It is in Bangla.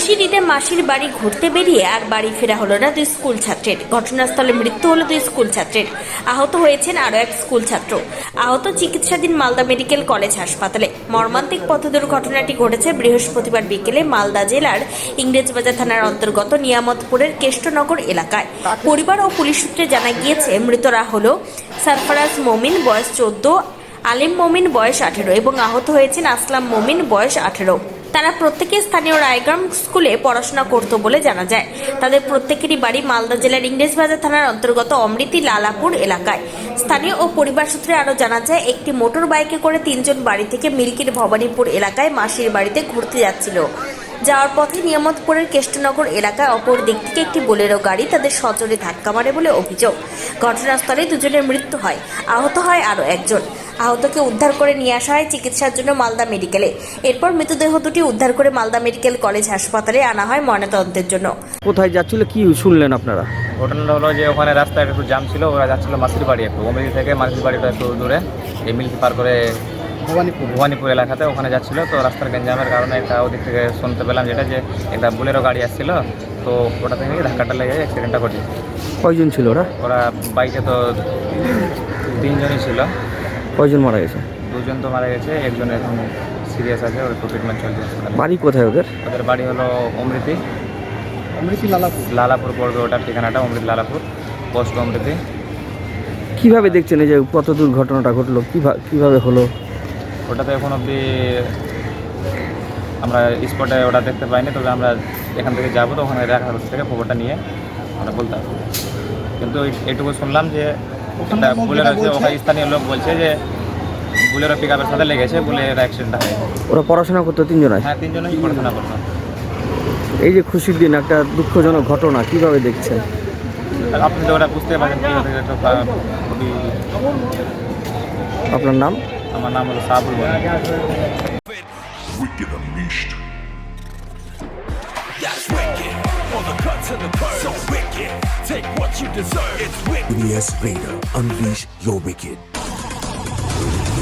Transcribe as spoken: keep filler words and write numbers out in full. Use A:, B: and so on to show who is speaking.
A: খুশির ঈদে মাসির বাড়ি ঘুরতে বেরিয়ে আর বাড়ি ফেরা হলো না দুই স্কুল ছাত্রের। ঘটনাস্থলে মৃত্যু হলো দুই স্কুল ছাত্রের। আহত হয়েছেন আরও এক স্কুল ছাত্র। আহত চিকিৎসাধীন মালদা মেডিকেল কলেজ হাসপাতালে। মর্মান্তিক পথ দুর্ঘটনাটি ঘটেছে বৃহস্পতিবার বিকেলে মালদা জেলার ইংরেজবাজার থানার অন্তর্গত নিয়ামতপুরের কেষ্টনগর এলাকায়। পরিবার ও পুলিশ সূত্রে জানা গিয়েছে মৃতরা হলো সারফারাজ মমিন, বয়স চোদ্দ, আলিম মমিন, বয়স আঠেরো এবং আহত হয়েছেন আসলাম মমিন, বয়স আঠেরো। তারা প্রত্যেকে স্থানীয় রায়গ্রাম স্কুলে পড়াশোনা করত বলে জানা যায়। তাদের প্রত্যেকেরই বাড়ি মালদা জেলার ইংরেজবাজার থানার অন্তর্গত অমৃতি লালাপুর এলাকায়। স্থানীয় ও পরিবার সূত্রে আরও জানা যায়, একটি মোটর বাইকে করে তিনজন বাড়ি থেকে মিল্কির ভবানীপুর এলাকায় মাসির বাড়িতে ঘুরতে যাচ্ছিল। যাওয়ার পথে নিয়ামতপুরের কেষ্টনগর এলাকায় অপর দিক থেকে একটি বোলেরো গাড়ি তাদের সজোরে ধাক্কা মারে বলে অভিযোগ। ঘটনাস্থলে দুজনের মৃত্যু হয়, আহত হয় আরও একজন। আহতকে উদ্ধার করে নিয়ে আসা হয় চিকিৎসার জন্য মালদা মেডিকেলে। এরপর মৃতদেহ দুটি উদ্ধার করে মালদা মেডিকেল কলেজ হাসপাতালে আনা হয় ময়নাতদন্তের জন্য।
B: কোথায় যাচ্ছিল, কি শুনলেন আপনারা?
C: ঘটনাটা হলো যে ওখানে রাস্তায় একটু জাম ছিল, ওরা যাচ্ছিল মাসির বাড়ি, একটু অমৃতি থেকে মাসির বাড়িটা একটু দূরে, এই মিল্কি পার করে ভবানীপুর ভবানীপুর এলাকাতে ওখানে যাচ্ছিল। তো রাস্তার গেঞ্জামের কারণে একটা ওদিক থেকে শুনতে পেলাম যেটা যে একটা বুলেরো গাড়ি আসছিল, তো ওটা থেকে ধাক্কাটা লেগে অ্যাক্সিডেন্টটা ঘটেছে।
B: কয়জন ছিল ওরা?
C: ওরা বাইকে তো তিনজনই ছিল।
B: কয়জন মারা গেছে?
C: দুজন তো মারা গেছে, একজন এখন সিরিয়াস আছে, ওর একটু ট্রিটমেন্ট চলছে।
B: বাড়ি কোথায় ওদের?
C: ওদের বাড়ি হলো অমৃতি অমৃতি লালাপুর লালাপুর পড়বে ওটার ঠিকানাটা, অমৃতি লালাপুর, পোস্ট অমৃতি।
B: কিভাবে দেখছেন এই যে কত দূর ঘটনাটা ঘটলো, কিভাবে কিভাবে হলো?
C: ওটা তো এখন অবধি আমরা স্পটে ওটা দেখতে পাইনি, তবে আমরা এখান থেকে যাবো তো ওখানে রাখার থেকে খবরটা নিয়ে আমরা বলতে হবে। কিন্তু এইটুকু শুনলাম যে ওটা বুলেরো আছে, ওখানে স্থানীয় লোক বলছে যে বুলেরো পিক আপের সাথে লেগেছে বলে এর অ্যাক্সিডেন্টটা হয়েছে।
B: ওরা পড়াশোনা করতো তিনজন? আছে,
C: হ্যাঁ তিনজনই পড়াশোনা করতো।
B: এই যে খুশির দিন একটা দুঃখজনক ঘটনা, কিভাবে দেখছেন?
C: আপনি তো ওটা বুঝতে পারছেন কীভাবে খুবই।
B: আপনার নাম?
C: আমার নাম হলো সাবুল।
D: Wicked Unleashed. That's wicked. All the cuts and the curves. So wicked. Take what you deserve. It's wicked. B D S Vader. Unleash your wicked.